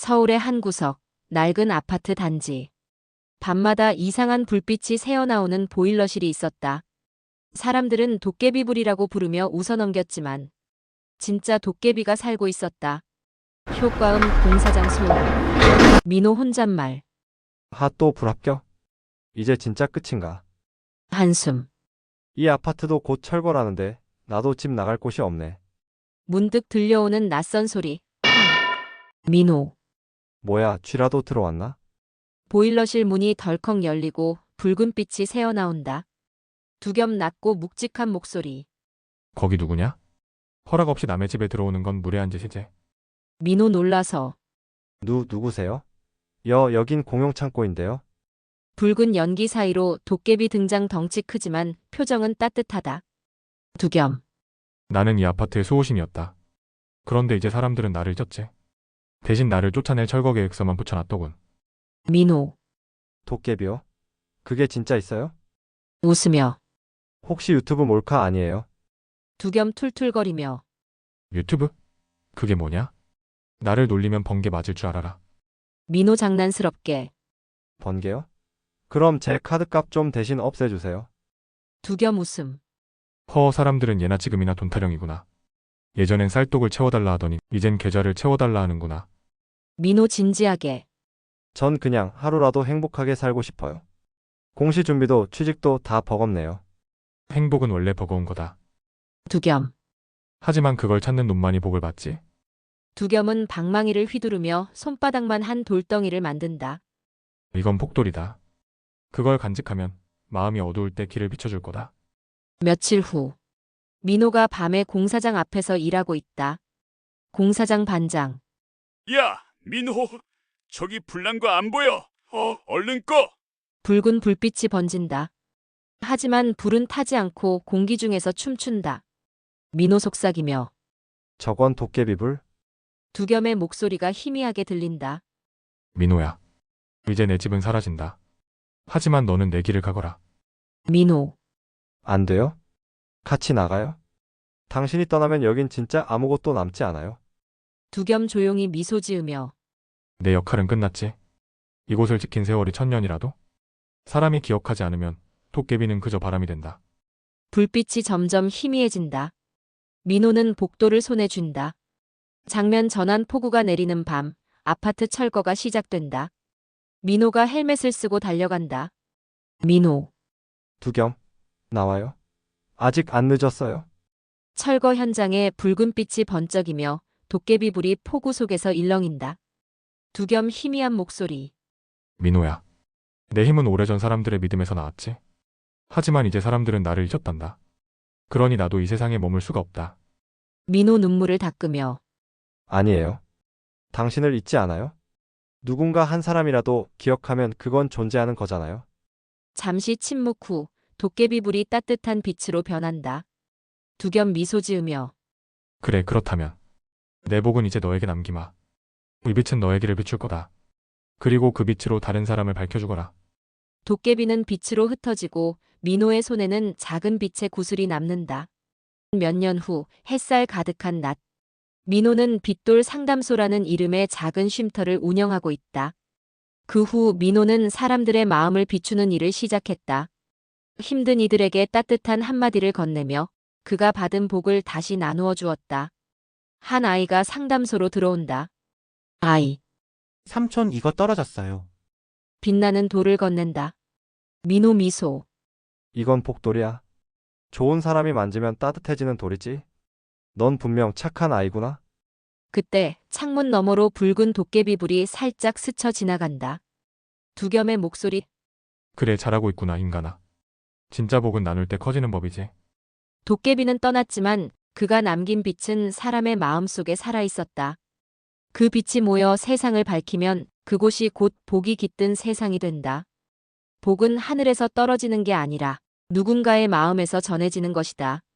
서울의 한 구석, 낡은 아파트 단지. 밤마다 이상한 불빛이 새어나오는 보일러실이 있었다. 사람들은 도깨비불이라고 부르며 웃어넘겼지만 진짜 도깨비가 살고 있었다. 효과음 공사장 소음. 민호 혼잣말. 또 불합격? 이제 진짜 끝인가? 한숨. 이 아파트도 곧 철거라는데 나도 집 나갈 곳이 없네. 문득 들려오는 낯선 소리. 민호. 뭐야, 쥐라도 들어왔나? 보일러실 문이 덜컥 열리고 붉은 빛이 새어나온다. 두 겹 낮고 묵직한 목소리. 거기 누구냐? 허락 없이 남의 집에 들어오는 건 무례한 짓이지. 민호 놀라서. 누구세요? 여긴 공용창고인데요. 붉은 연기 사이로 도깨비 등장. 덩치 크지만 표정은 따뜻하다. 두 겸. 나는 이 아파트의 수호신이었다. 그런데 이제 사람들은 나를 잊었지. 대신 나를 쫓아낼 철거 계획서만 붙여놨더군. 민호. 도깨비요? 그게 진짜 있어요? 웃으며. 혹시 유튜브 몰카 아니에요? 두 겸 툴툴거리며. 유튜브? 그게 뭐냐? 나를 놀리면 번개 맞을 줄 알아라. 민호 장난스럽게. 번개요? 그럼 제 카드값 좀 대신 없애주세요. 두 겸 웃음. 사람들은 예나 지금이나 돈 타령이구나. 예전엔 쌀독을 채워달라 하더니 이젠 계좌를 채워달라 하는구나. 민호 진지하게. 전 그냥 하루라도 행복하게 살고 싶어요. 공시 준비도 취직도 다 버겁네요. 행복은 원래 버거운 거다. 두 겸. 하지만 그걸 찾는 놈만이 복을 받지. 두 겸은 방망이를 휘두르며 손바닥만 한 돌덩이를 만든다. 이건 폭돌이다. 그걸 간직하면 마음이 어두울 때 길을 비춰줄 거다. 며칠 후. 민호가 밤에 공사장 앞에서 일하고 있다. 공사장 반장. 야, 민호, 저기 불난 거 안 보여? 얼른 꺼! 붉은 불빛이 번진다. 하지만 불은 타지 않고 공기 중에서 춤춘다. 민호 속삭이며. 저건 도깨비불? 두 겸의 목소리가 희미하게 들린다. 민호야. 이제 내 집은 사라진다. 하지만 너는 내 길을 가거라. 민호. 안 돼요? 같이 나가요? 당신이 떠나면 여긴 진짜 아무것도 남지 않아요. 두 겸 조용히 미소 지으며. 내 역할은 끝났지. 이곳을 지킨 세월이 1000년이라도? 사람이 기억하지 않으면 도깨비는 그저 바람이 된다. 불빛이 점점 희미해진다. 민호는 복도를 손에 쥔다. 장면 전환. 폭우가 내리는 밤, 아파트 철거가 시작된다. 민호가 헬멧을 쓰고 달려간다. 민호. 두겸, 나와요. 아직 안 늦었어요. 철거 현장에 붉은 빛이 번쩍이며 도깨비불이 폭우 속에서 일렁인다. 두 겸 희미한 목소리. 민호야. 내 힘은 오래전 사람들의 믿음에서 나왔지. 하지만 이제 사람들은 나를 잊었단다. 그러니 나도 이 세상에 머물 수가 없다. 민호 눈물을 닦으며. 아니에요. 당신을 잊지 않아요? 누군가 한 사람이라도 기억하면 그건 존재하는 거잖아요. 잠시 침묵 후 도깨비불이 따뜻한 빛으로 변한다. 두 겸 미소 지으며. 그래, 그렇다면 내 복은 이제 너에게 남기마. 이 빛은 너의 길을 비출 거다. 그리고 그 빛으로 다른 사람을 밝혀주거라. 도깨비는 빛으로 흩어지고 민호의 손에는 작은 빛의 구슬이 남는다. 몇 년 후 햇살 가득한 낮. 민호는 빛돌 상담소라는 이름의 작은 쉼터를 운영하고 있다. 그 후 민호는 사람들의 마음을 비추는 일을 시작했다. 힘든 이들에게 따뜻한 한마디를 건네며 그가 받은 복을 다시 나누어 주었다. 한 아이가 상담소로 들어온다. 아이. 삼촌 이거 떨어졌어요. 빛나는 돌을 건넨다. 민호 미소. 이건 폭돌이야. 좋은 사람이 만지면 따뜻해지는 돌이지. 넌 분명 착한 아이구나. 그때 창문 너머로 붉은 도깨비불이 살짝 스쳐 지나간다. 두 겸의 목소리. 그래, 잘하고 있구나, 인간아. 진짜 복은 나눌 때 커지는 법이지. 도깨비는 떠났지만 그가 남긴 빛은 사람의 마음 속에 살아있었다. 그 빛이 모여 세상을 밝히면 그곳이 곧 복이 깃든 세상이 된다. 복은 하늘에서 떨어지는 게 아니라 누군가의 마음에서 전해지는 것이다.